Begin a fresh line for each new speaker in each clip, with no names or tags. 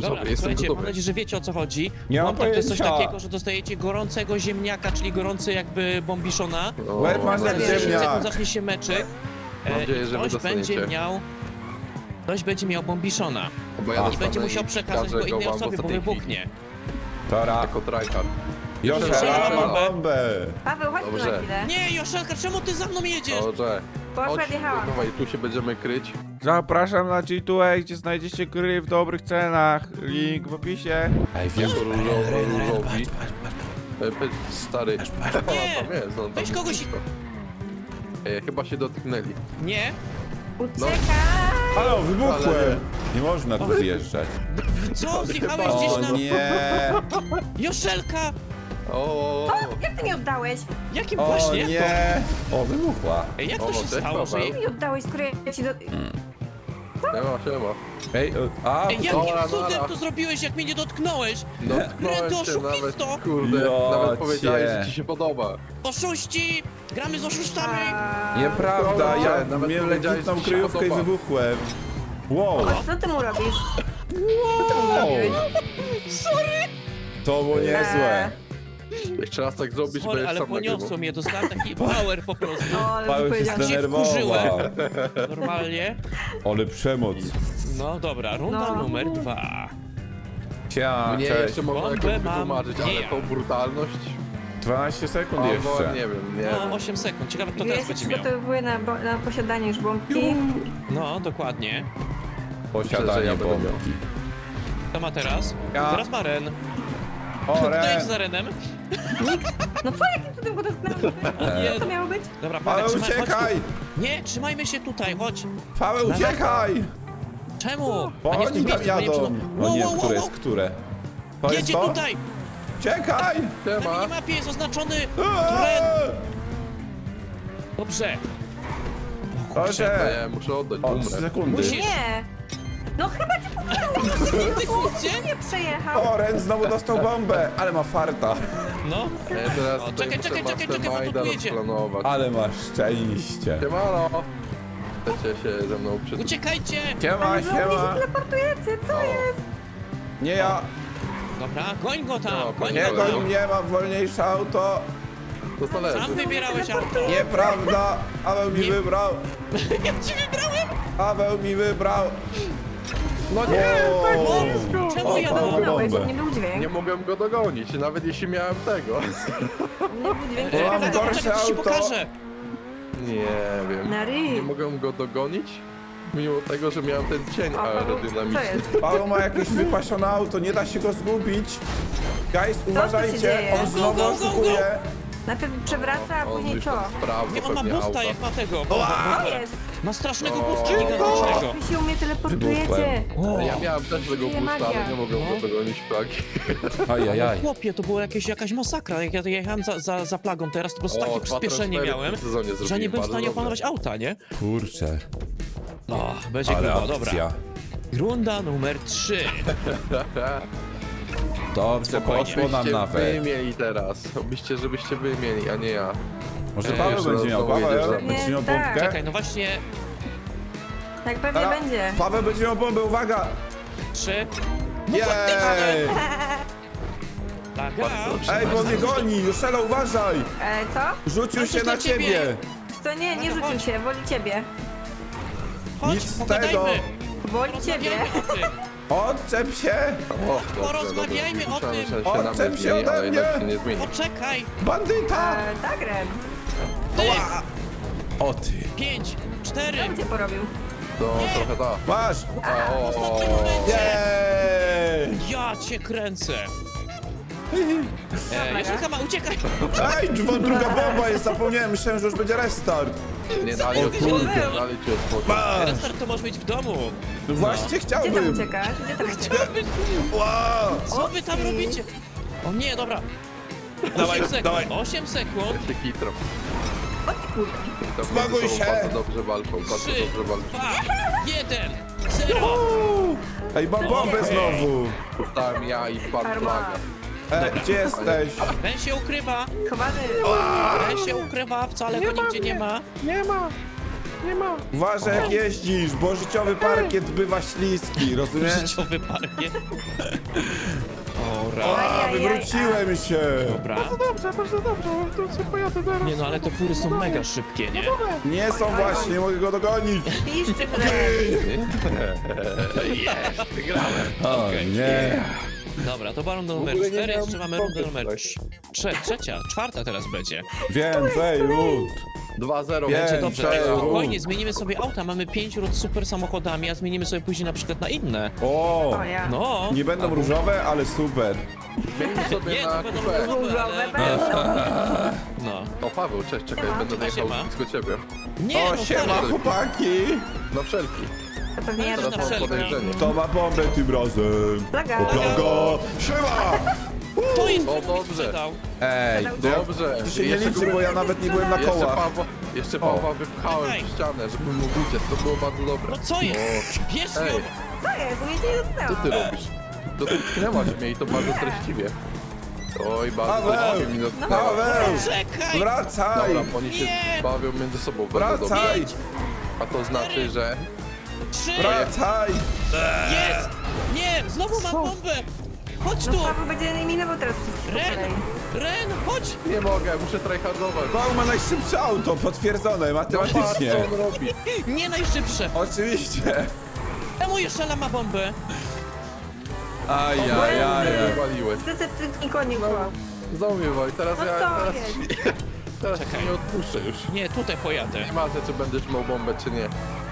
Dobra,
jestem
słuchajcie, mam
gotowy.
nadzieję, że wiecie o co chodzi.
Nie mam
Bombak to jest coś
pojęcia.
takiego, że dostajecie gorącego ziemniaka, czyli gorący jakby bombiszona.
Łeb masz jak
Za 10 sekund
ziemniak.
zacznie się meczyk.
Mam nadzieję, że wy
Ktoś będzie
dostaniecie.
miał... Ktoś będzie miał bombiszona.
Bo ja
A.
I
dostanę
będzie musiał
i
przekazać
przekażę
go innej
wam w
osobie, bo
ostatniej chwili.
wybuchnie.
Tora.
Jako tryhard.
Joszela ma
bombę.
bombę.
Paweł, chodź tu
Dobrze.
na chwilę.
Nie, Joszelka, czemu ty za mną jedziesz?
Dobrze.
Bo akurat
Chodź,
jechałam.
dawaj, tu się będziemy kryć.
Zapraszam na G2A, gdzie znajdziecie gry w dobrych cenach. Link w opisie. Ej, wiem.
Różowi. Stary.
Nie.
Tam jest, on tam
Weź kogoś-
blisko. Chyba się dotknęli.
Nie?
Uciekaj!
Halo, wybuchłem.
Ale
Nie można tu zjeżdżać.
Co? Zjechałeś gdzieś
O
na...
nie.
Joszelka!
O,
Jak ty mi oddałeś?
Jakim
O
właśnie? Jak to?
nie. O, wybuchła.
Ej, jak to
O,
się
cześć,
stało, że...
Paweł.
Jak mi oddałeś, skoro ja ci do...
siema.
Ej, a.
Ej, jakim
Dobra,
cudem
dobra.
to zrobiłeś, jak mnie nie dotknąłeś?
Dotknąłem
Ręto,
cię nawet,
oszukisto!
kurde,
Jocie.
nawet powiedziałeś, że ci się podoba.
Oszuści! Gramy z oszustami!
Nieprawda, ja
Nawet
miałem
powiedziałeś,
legitną
że ci się
kryjówkę i
podoba.
wybuchłem. Wow.
Co ty mu robisz? Co ty mu zrobiłeś?
To było niezłe.
Jeszcze raz tak zrobisz,
Sorry,
będziesz
ale
sam
poniosło
nagrywał.
mnie, dostałem taki power po prostu.
No, ale
Paweł się
powiedziałam.
zdenerwował.
wkurzyłem. Normalnie.
Ale przemoc.
No dobra, runda
No.
numer 2.
Siema,
Mnie
cześć.
jeszcze można
Bombę
jakoś
mam,
wytłumaczyć,
nie
ale
ja.
tą brutalność...
12 sekund
Albo
jeszcze.
nie wiem, nie
No,
wiem.
8 sekund. Ciekawe, kto
Ja
teraz
się
będzie miał.
przygotowuję na posiadanie już bombki.
No, dokładnie.
Myślę, że
Posiadanie
ja będę miał.
bombki.
Kto ma teraz?
Ja.
Teraz ma Ren.
O,
Kto
Ren.
jest za Renem?
No co, jakim cudem go dotknąłem?
Nie.
Co to miało być?
Dobra,
Paweł,
Paweł, trzymaj, chodź
uciekaj!
tu. Nie, trzymajmy się tutaj, chodź.
Paweł, uciekaj!
Czemu?
Bo
A nie w tym
oni tam
miejscu, bo nie
jadą.
przy-
No
Wow,
nie,
wow,
które
wow,
jest które? To jest
Jedzie
to?
tutaj!
Uciekaj!
Na
Siema.
minimapie jest oznaczony Ren.
Eee!
Dobrze.
Proszę!
Nie, muszę oddać,
O, 3
umrę.
sekundy.
Musisz.
Nie! No chyba cię
Widzicie?
nie przejechał.
O, Ren znowu dostał bombę, ale ma farta.
No.
Ja teraz
O,
tutaj
czekaj,
muszę
czekaj, bo
masterminda
tu jedzie.
rozplanować.
Ale ma szczęście.
Siemano! Chcecie się ze mną przytulić?
Uciekajcie!
Siema,
Ale wy mnie się
siema.
teleportujecie, co jest?
Nie ja.
Dobra, goń go tam,
No,
goń
Nie
go
goń
tam.
mnie, mam wolniejsze auto.
To zależy.
Sam wybierałeś auto.
Nieprawda. Paweł mi
Nie.
wybrał.
Ja ci wybrałem!
Paweł mi wybrał.
No nie!
Wow.
Czemu ja
Paweł
mam
Dałeś,
bombę.
nie był dźwięk.
Nie mogłem go dogonić, nawet jeśli miałem tego.
Nie był dźwięk.
Bo mam
Paweł,
gorsze
czekaj, to ci
auto.
pokażę.
Nie wiem.
Na ryj.
Nie mogłem go dogonić, mimo tego, że miałem ten cień
O, Paweł, co
aerodynamiczny.
jest?
Paweł ma jakieś wypasione auto, nie da się go zgubić. Guys, uważajcie,
dzieje?
on znowu
Go, go, go, go.
oszukuje.
Najpierw przewraca, a
On
później
już
co?
tam sprawdzał
Nie, on ma
pewnie
boosta,
auta.
jak ma tego.
Co jest?
Ma strasznego
O.
boosta gigantycznego.
Wy się u mnie teleportujecie.
O,
Ja miałem też tego
Żyje
boosta, ale
magia.
nie mogłem
No.
go dogonić plagi.
Ajajaj.
chłopie, to była jakaś masakra. Jak ja jechałem za plagą teraz, to po prostu takie przyspieszenie miałem, że nie byłem w stanie opanować auta, nie?
Kurczę,
O, będzie
ale
grubo, dobra.
akcja.
Runda numer 3.
Dobrze, poszło nam
Wy
nawet.
mieli teraz. Obyście, żebyście wy mieli, a nie ja.
Może
Ej,
Paweł
jeszcze
będzie miał,
znowu jedziesz za
Paweł
mną.
będzie miał
Tak.
bombkę.
Czekaj, no właśnie
Tak pewnie
Teraz
będzie.
Paweł będzie miał bombę, uwaga!
3.
Jej!
Plaga.
Ej, bo mnie goni, Juszela, uważaj!
Co?
Rzucił
Ale
się
to
na
dla ciebie.
ciebie!
To nie
Chodź.
rzucił się, woli ciebie.
Chodź,
Nic z
pogadajmy.
tego.
Woli ciebie.
Porozmawiajmy o tym.
Odczep się!
O, dobrze,
Porozmawiajmy
dobrze.
o
Myślałem,
tym.
że się na
Odczep
mnie
się
zmieni,
ode
ale jednak
mnie.
się nie zmieni.
Poczekaj.
Bandyta!
Tak, Ren.
Ty.
O ty!
5, 4.
Co cię porobił?
To trochę da.
Masz!
O,
W ostatnim momencie.
Jej!
Ja cię kręcę. Joszelka ma, uciekaj.
Ej, druga bomba jest, zapomniałem, myślałem, że już będzie restart.
nie dali
ty
odpocząć,
zrobił?
nie dali ci odpocząć.
Masz!
Restart to może być w domu.
No właśnie
Gdzie tam
chciałbym!
uciekasz? Gdzie tam uciekasz?
Wow!
Co wy tam robicie? O nie, dobra. 8 sekund. 8 sekund.
Ja się kitram.
O ty kurde.
Tam
Smaguj
między sobą
się.
Bardzo dobrze walczą, bardzo
3,
dobrze walczą.
2, 1, 0.
Ej, mam bombę znowu!
Dostałem ja i pan
Karma.
plaga.
Gdzie jesteś?
Ten się ukrywa.
Chowany.
Ten się ukrywa, wcale go nigdzie nie ma.
Nie ma. nie ma.
Uważaj jak jeździsz, bo życiowy parkiet bywa śliski, rozumiesz?
Życiowy parkiet. Ora.
A, wywróciłem się!
Dobra.
Bardzo dobrze, to sobie pojadę teraz.
Nie no, ale te fury są mega szybkie, nie?
Nie są właśnie, nie mogę go dogonić!
Piszczy chleb.
Jest, wygrałem.
O nie!
Dobra, to była runda numer
ogóle nie
4,
miałem
jeszcze mamy rundę
pompy
numer
tutaj.
trzecia, czwarta teraz będzie.
Więcej ród!
2-0.
Będzie
Będzie dobrze,
Cześć.
spokojnie, zmienimy sobie auta, mamy 5 rund z super samochodami, a zmienimy sobie później na przykład na inne.
O!
O ja.
No,
Nie będą różowe, ale super.
Zmienimy sobie
nie,
na
to będą
kupę.
różowe, ale...
Będą.
No.
O, Paweł, cześć, czekaj,
Siema.
będę
Siema,
jechał
siema.
blisko ciebie.
Nie,
O,
no
siema
stary,
chłopaki!
Na wszelki.
To pewnie ja
Teraz
Teraz
na
mam
wszelki.
podejrzenie.
Kto ma bombę tym razem?
Plaga.
O, plaga! Siema!
to jest
O,
kto mi
dobrze.
sprzedał.
Ej,
Dobrze.
to się nie
Jeszcze
liczy, bo ja nawet nie byłem na kołach.
Jeszcze Pawła wypchałem
Czekaj.
w ścianę, żeby mógł uciec. To było bardzo dobre.
No co jest? Bierz
Ej.
ją!
Co jest? Mnie cię nie
Co ty
dotknęło.
robisz? Dotknęłaś mnie i to bardzo treściwie. Oj, bardzo
Paweł!
treściwie mi dotknęła.
Paweł!
Czekaj!
Wracaj!
Dobra, oni się
Nie.
bawią między sobą bardzo dobrze.
Wracaj!
A to znaczy, że...
3!
Wracaj!
Jest! Nie! Znowu mam bombę! Chodź tu!
No Paweł będzie eliminował teraz wszystkich po
Ren!
kolei.
Ren, chodź!
Nie mogę, muszę tryhardować.
Paweł ma najszybsze auto, potwierdzone
Patrz,
matematycznie.
co on robi.
Nie najszybsze!
Oczywiście.
Czemu jeszcze ma bombę?
Ajajaj.
Wywaliłeś.
Zdecydowanie konik była.
Znowu mnie wywali. Teraz
No
ja...
co
Teraz,
jest?
teraz
Czekaj.
nie odpuszczę już.
Nie, tutaj pojadę.
Nie ma czy będziesz miał bombę, czy nie.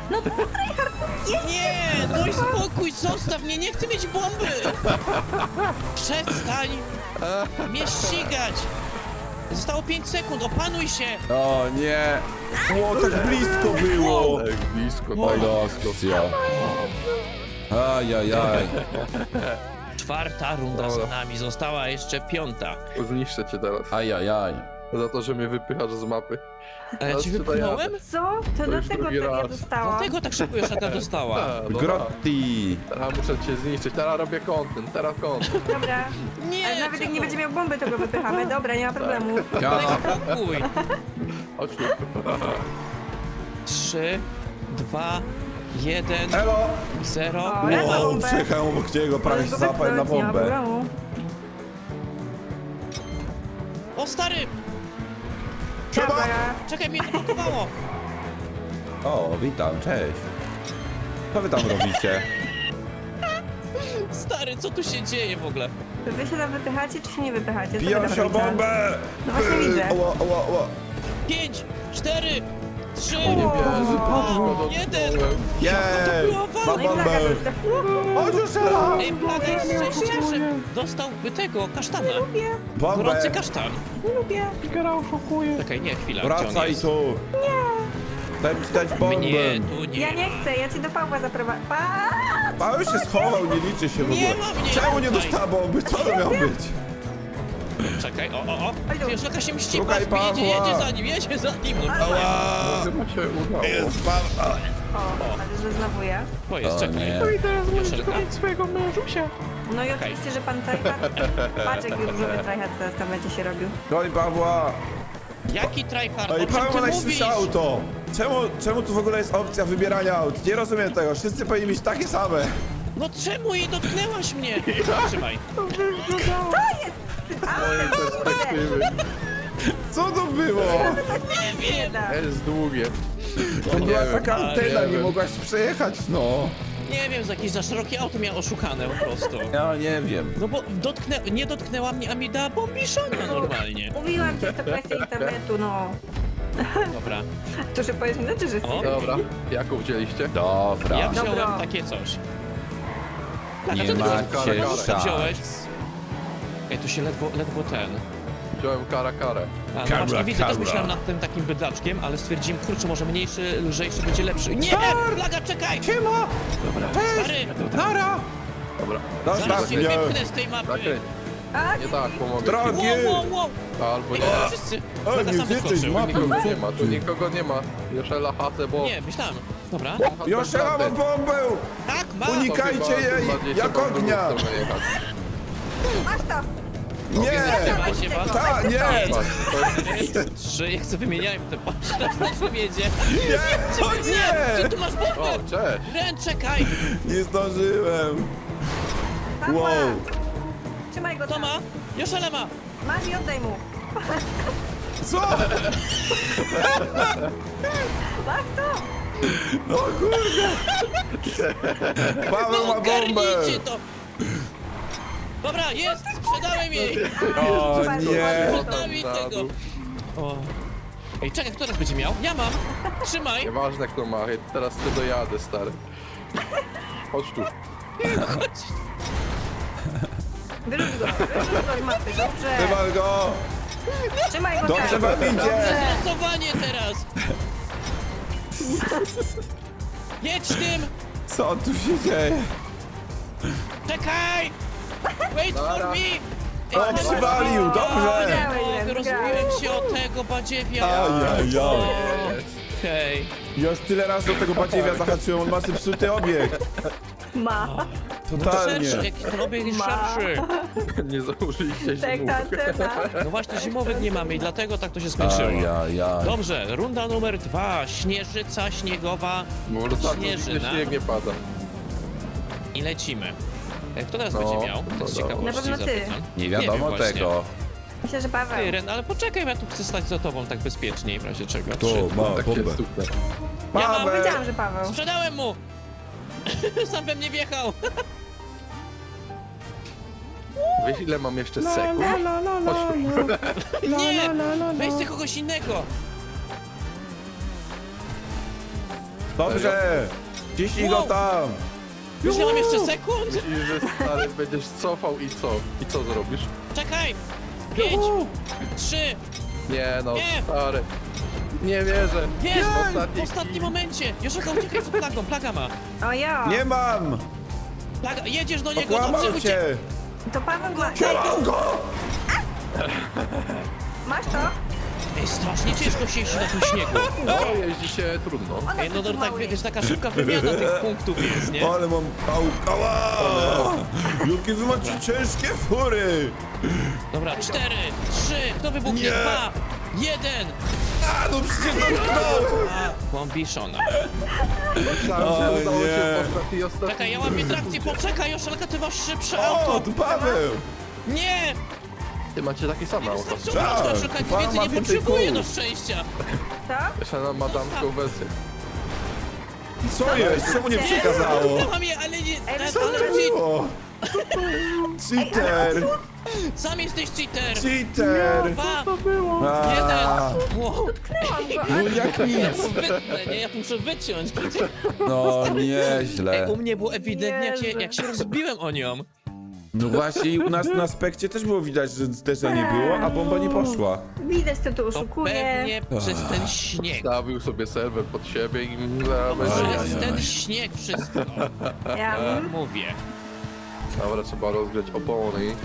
Nie! Daj spokój, zostaw mnie, nie chcę mieć bomby! Przestań mnie ścigać! Zostało 5 sekund, opanuj się!
O nie. O, tak blisko było.
Tak blisko, tak
Kolosja. Ajajaj.
Czwarta runda za nami, została jeszcze 5.
Zniszczę cię teraz.
Ajajaj.
Za to, że mnie wypychasz z mapy.
A ja
Teraz
ci
tutaj
wypchnąłem?
Co? To
już
dlatego
drugi
tak ja
raz.
dostałam.
Dlatego tak szybko już taka dostała.
A, dobra.
Grotti.
Teraz muszę cię zniszczyć. Teraz robię content, teraz content.
Dobra.
Nie,
Ale nawet jak nie
czemu?
będzie miał bomby, to go wypychamy. Dobra, nie ma problemu.
Daj spokój!
Chodź tu.
3, 2, 1,
Elo.
0.
O, ja mam
Wow,
bombę.
przejechałem obok niego, prawie się
Możesz go
załapałem na
wypchnąć, nie ma
bombę.
problemu.
O stary!
Dobra.
Czekaj, mnie zablokowało!
O, witam, cześć. Co wy tam robicie?
Stary, co tu się dzieje w ogóle?
Wy się tam wypychacie, czy się nie wypychacie? Co wy
Biją
tam
się o
robicie?
bombę!
No właśnie widzę.
Oła, oła, oła.
5, 4, 3,
Nie wierzę, Paweł,
1.
Jej!
była walka?
Mam
No i
bombę!
plaga dostała.
Chodź już, Ela!
Ej, Plaga jest szczęściarzem! Dostałby tego, kasztana.
Lubię,
Bombę!
Gorący kasztan.
lubię.
Czekaj, nie, chwila, gdzie on
Wracaj
jest?
tu! Daj mi dać bombę!
Mnie tu nie
Ja nie chcę, ja cię do Pawła zaprowadzę.
Paweł się schował, nie liczy się w ogóle.
Nie ma mnie
Czemu nie
tutaj.
dostała bomby? Co to miało być?
Czekaj, o.
Oj, tu.
Wiesz, jaka się mści,
Szukaj
patrz, jedzie
Pawła.
jedzie za nim. No,
Ała!
Chyba się udało.
Jest Paweł!
O, ale że znowu ja.
to jest,
O
czekaj.
nie.
Joszelka?
No i oczywiście, że pan tryhard. Patrz, jak różowy tryhard teraz tam będzie się robił.
Goń Pawła!
Jaki tryhard?
Ej,
O czym
Paweł ma
ty mówisz?
najszybsze auto! Czemu tu w ogóle jest opcja wybierania aut? Nie rozumiem tego, wszyscy powinni mieć takie same.
No czemu jej dotknęłaś mnie? Trzymaj.
Z mojej perspektywy.
Co to było?
Nie wiem.
Da.
Jest długie.
To
Nie
była
wiem,
taka
ale
antena,
nie
nie
wiem.
mogłaś przejechać, no.
Nie wiem, z jakieś za szerokie auto miała oszukane po prostu.
Ja nie wiem.
No bo nie dotknęła mnie, a mi dała bombiszona normalnie.
Mówiłam ci, że to kwestia internetu, no.
Dobra.
To, że powiesz inaczej, że
O.
Dobra, jaką wzięliście?
Dobra.
Ja wziąłem
Dobra.
takie coś. A
Nie
co ty
macie
wziąłeś?
szans.
Ej, tu się ledwo ten.
Wziąłem karę.
A, no
Kara,
właśnie widzę, też
kara.
myślałem nad tym takim bydlaczkiem, ale stwierdziłem, kurczę, może mniejszy, lżejszy będzie lepszy. Nie! Plaga, czekaj!
Siema!
Stary!
Nara!
Dobra.
Zostaw
Zaraz cię
mnie!
wypchnę z tej mapy!
Zakręć.
A,
Nie tak, pomogę.
Drogi!
Wow!
Albo
Ej,
nie.
to wszyscy! Plaga
nie
sam
jesteś
wyskoczył.
ma-
Tu nikogo nie ma, tu nikogo nie ma. Joszela Hase, bo...
Nie, myślałem. Dobra.
Joszela ma bombę!
Tak, ma!
Unikajcie jej! Jak ognia!
masz to.
Nie!
Trzymaj się, was.
Ta, nie!
Patrz, to jest...
3, jak sobie wymieniałem te patrz, na czym jedzie.
Nie! O
Ty
nie!
tu masz
O,
bombę!
cześć!
Ren, czekaj!
Nie zdążyłem.
Papa.
Wow.
Trzymaj go
Kto
tam.
ma? Joszele ma!
Masz i oddaj mu.
Co?
Masz to.
O kurde! Paweł ma bombę!
Ogarnijcie to! Dobra, jest! Sprzedałem jej!
O
Super,
nie!
super.
Daj mi tego! O. Ej, czekaj, kto teraz będzie miał? Ja mam! Trzymaj!
Nieważne kto ma, teraz ty dojadę, stary. Chodź tu.
Chodź!
Wyrzuć go z mapy, dobrze.
Wywal go!
Trzymaj go
Dobrze
tam.
wam idzie!
Dobrze.
Losowanie teraz! Jedź tym!
Co tu się dzieje?
Czekaj! Wait for
Dobra.
me!
O, przywalił! Dobrze!
Wygrałem,
Rozbiłem się o tego badziewia!
Ajajaj!
Okej.
Już tyle razy do tego badziewia zahaczyłem, on ma zepsuty obiekt.
Ma.
Totalnie.
Szerszy, jaki ten obieg jest
Ma.
szerszy.
Nie założyliście
Tak,
zimów.
tak.
No właśnie, zimowych nie mamy i dlatego tak to się skończyło.
Ajajaj.
Dobrze, runda numer 2. Śnieżyca śniegowa
Bo ostatnio
Śnieżyna.
śnieg nie pada.
i lecimy. Kto teraz
No,
będzie miał?
to
Tak z
dobra.
ciekawości
Na pewno ty.
zapytam.
Nie
wiem
wiadomo
właśnie.
tego.
Myślę, że Paweł.
Ty, Ren, ale poczekaj, ja tu chcę stać za tobą tak bezpieczniej, w razie czego.
To
Trzy.
ma
Tak się
bombę.
stuknę.
Ja mam,
Paweł!
Powiedziałam, że Paweł.
Sprzedałem mu! Sam we mnie wjechał!
Wiesz ile mam jeszcze sekund? Chodź tu.
Nie! Weź sobie kogoś innego!
Dobrze! Ciśnij go
Wow.
tam!
Już nie mam jeszcze sekund!
Myślisz, że stary będziesz cofał i co? I co zrobisz?
Czekaj! 5, 3,
Nie no,
Nie.
stary. Nie wierzę.
jest!
Ostatni
W ostatnim
kij.
momencie! Joszaka, uciekaj przed plagą, plaga ma!
O ja.
Nie mam!
Plaga, jedziesz do niego,
Okłamał
dobrze,
cię!
To Paweł ma.
Trzymam go!
Masz to?
Ej, strasznie ciężko się jeździ na tym śniegu.
No, jeździ się trudno.
Ona
Ej, no
taki
tak,
mały
wiesz, taka szybka wymiana tych punktów jest, nie?
Ale mam... Ała! Jakie wy macie ciężkie fury!
Dobra, 4, 3, kto wybuchnie?
Nie.
2, 1!
A, no przecież dotknąłem!
A, bombiszona.
Myślałem,
O
że udało
nie.
się w ostatniej
Czekaj, ja łapię trakcję, poczekaj, Joszelka, ty masz szybsze
O,
auto!
tu Paweł!
Nie!
Ty macie takie same auto.
Wystarczy uliczka, Joszelka, nic
Pan
więcej
ma
nie
więcej
potrzebuje
kół.
do szczęścia!
To?
Jeszcze na madamską wersję.
Co jest? Czemu nie przekazało?
Ja mam je, ale nie...
Co
Ale
to było? Cheater!
sam jesteś cheater!
Cheater!
2,
A,
1! Wow.
Tknęłam go.
no jak
Ja
nic!
to wytnę, nie? Ja to muszę wyciąć przecież.
No
Ej,
nieźle.
u mnie było ewidentnie, jak
Jezu.
się rozbiłem o nią.
No właśnie i u nas na aspekcie też było widać, że zderzenie było, a bomba nie poszła.
Widać, kto tu
To
oszukuje.
pewnie przez ten śnieg.
Stawił sobie serwer pod siebie i zaraz będzie...
Przez ten śnieg wszystko.
Ja.
Mówię.
Dobra, trzeba rozgrzać opony.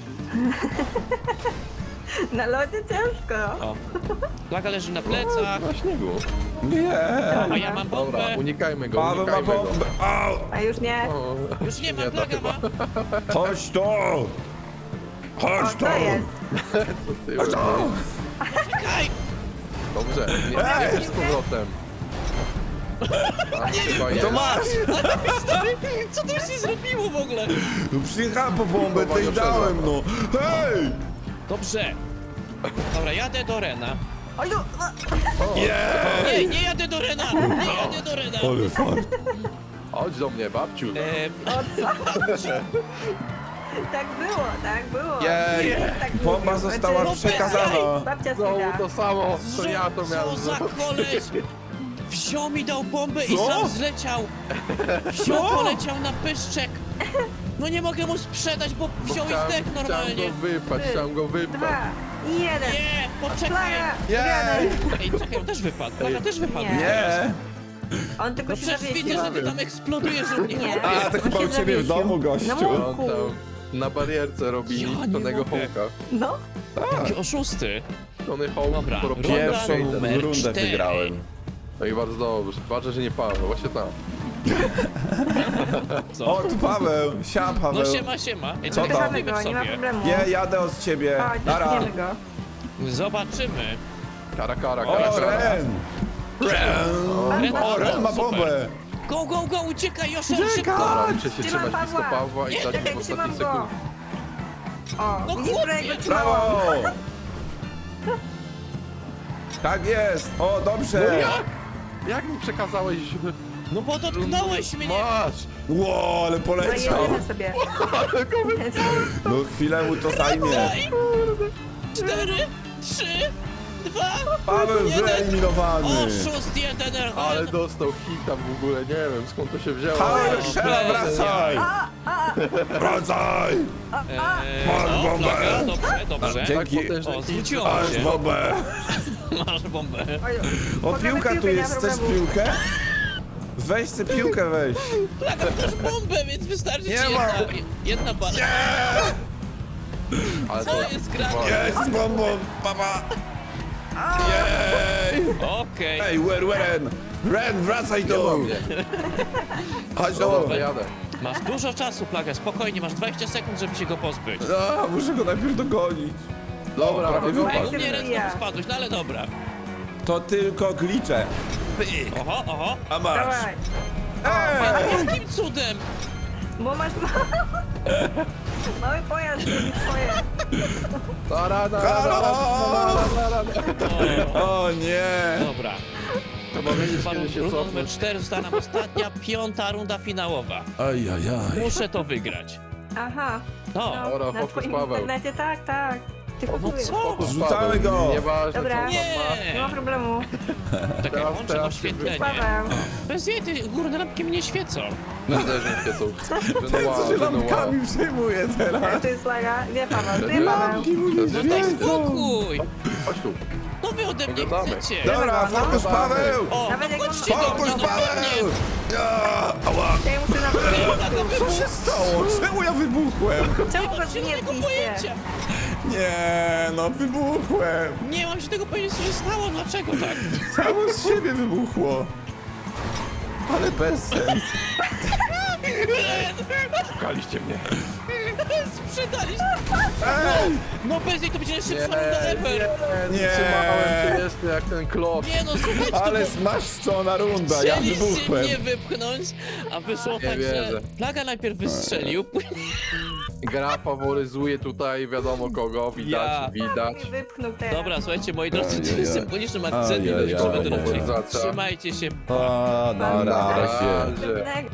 Na lodzie ciężko.
O. Plaga leży na plecach,
Na śniegu.
Nie!
a ja mam
Dobra,
bombę.
unikajmy go,
Paweł ma
unikajmy go.
bombę! Au!
A już nie.
O,
Już nie
to
mam, plaga
chyba.
ma.
Chodź tu!
O,
Chodź tu!
to jest.
Co ty
Chodź tu!
Czekaj!
Dobrze, nie, nie z powrotem. A, chyba
To
jest.
masz!
Stary, co to się zrobiło w ogóle?
No przyjechałem po bombę, to i dałem, no! Hej!
Dobrze. Dobra, jadę do Rena.
Oj, no.
Nie, nie jadę do Rena! Nie jadę do Rena!
Ale fart!
Chodź do mnie, babciu.
Tak było, tak było.
Jej!
Tak
Bomba
mówił.
została
Znaczy,
przekazana!
Babcia
Znowu
Syda.
to samo, co ja to miałem
Co za
zrobić.
koleś! Wziął mi, dał bombę i
Co?
sam zleciał! Wziął, poleciał na pyszczek! No nie mogę mu sprzedać, bo wziął i zdechł
Chciałem
normalnie!
go wypać, chciałem go wypać.
2, 1.
Nie, poczekaj!
Plaga.
Jej!
Ej, czekaj, on też wypadł, plaga też wypadł.
Nie.
Nie!
On tylko
No
się
przecież
zawiesił.
widzę, że ty tam eksplodujesz u mnie.
Nie.
A, to
On
chyba
się
u ciebie w
zawiesił.
domu, gościu.
No,
On tam na barierce robi
Ja nie
Tonego
mogę.
Hołka.
No.
Jakie oszusty.
Tony Hołk
Dobra,
porobił
runda
Pierwszą
numer
rundę
4.
wygrałem.
No i bardzo dobrze. Ważne, że nie Paweł, właśnie tam.
Co?
O, tu Paweł, Paweł.
No siema. Ej,
Co
czekaj,
tam?
Wypychamy
zrobimy
go, nie ma
sobie.
problemu.
Nie, jadę od ciebie.
Chodź,
Nara.
wypchniemy go.
Zobaczymy.
Kara, kara,
O,
kara, kara.
Ren!
Ren,
O, Ren ma
super.
bombę.
Go, uciekaj, Joszel, szybko!
Dobra, muszę się
Trzymam
trzymać blisko
Pawła.
Pawła i dać mu
Czekaj,
w
trzymam
ostatniej
go.
sekundzie.
O,
No
widzisz,
chłopie,
że go trzymałam.
Brawo! Tak jest! O, dobrze!
Jak mi przekazałeś?
No bo dotknąłeś mnie!
Masz!
Ło, ale
No i
poleciał!
jedziemy sobie.
No chwilę mu to zajmie.
4, 3, 2,
Paweł
1.
wyeliminowany!
Oszust 1,
Ale dostał hita w ogóle, nie wiem skąd to się wzięło.
Paweł,
O,
strzela,
bez
wracaj! Wracaj! Masz bombę!
Dobrze.
Dzięki.
Tak potężny
O,
hit.
zwróciło
Masz
się.
bombę!
Masz bombę.
Oj,
O,
możemy
piłka tu
piłkę, nie ma
jest, chcesz
problemu.
piłkę? Weź sobie piłkę, weź!
Plaga, masz bombę, więc wystarczy
Nie
ci
ma.
jedna bala.
Ale
Co
to
jest grane?
Jest z bombą, papa! Jej!
Okej.
Ej, Ren! Ren, wracaj
nie
tu!
mam mnie.
Chodź
Dobra,
tu!
to jadę.
Masz dużo czasu, Plaga, spokojnie, masz 20 sekund, żeby się go pozbyć.
No, muszę go najpierw dogonić.
Dobra,
prawie
wypadł.
Ej,
wypadł.
u mnie ręce spadłeś, no ale dobra.
To tylko glicze.
Oho.
A masz.
Dawaj,
Ej!
Jakim cudem?
bo masz mały pojazd, robi swoje.
O nie!
Dobra.
Trzeba wiedzieć, kiedy się
Runda numer
cofnąć.
4 została nam ostatnia, 5. runda finałowa.
Ajajaj.
Muszę to wygrać.
Aha,
No,
Dobra,
na
fokus
twoim
Paweł.
internecie, tak. Ty
no
kupujesz.
co?
Zrzucamy go.
Nieważne co
Dobra.
tam ma.
Nie ma
Nie!
problemu.
Czekaj,
Teraz-
włączę
teraz
oświetlenie.
Paweł.
Bez jej, te górne lampki mnie świecą.
Też mi świecą.
Co się lampkami przejmuje teraz?
To jest flaga. Nie Paweł, ty Paweł.
Lampki mu nie
No daj
świecą.
spokój!
Chodź tu.
No wy ode mnie
Pogadamy.
chcecie!
Dobra, fokus Paweł!
O,
Nawet jak
no
on-
chodźcie do
Fokus
mnie, no
Paweł!
pewnie!
Ja, ała.
Ja muszę na
Co się stało? Czemu ja wybuchłem?
Czemu
Nie
go
mam zielonego
zmietliście?
pojęcia!
Nie, no wybuchłem.
Nie mam się tego pojęcia, co się stało, dlaczego tak?
Samo z siebie wybuchło. Ale bez sens.
Szukaliście mnie.
Sprzedaliście!
Ej!
No bez niej to będzie najszybsza runda ever!
Nie.
Trzymałem cię jeszcze jak ten klosz.
Nie no, słuchajcie,
Ale
to
zmaszczona runda, ja
chcieliście
wybuchłem.
mnie wypchnąć, a wyszło
Nie
tak, że
wierzę.
Plaga najpierw wystrzelił, później...
Gra faworyzuje tutaj wiadomo kogo,
Ja.
widać.
Mnie wypchnął teraz.
Dobra, słuchajcie, moi drodzy,
Ajajaj.
tym symbolicznym akcentem
Ajajaj.
kończymy ten odcinek.
Faworyzacja.
Trzymajcie się,
O, na razie.
razie.
Następnego.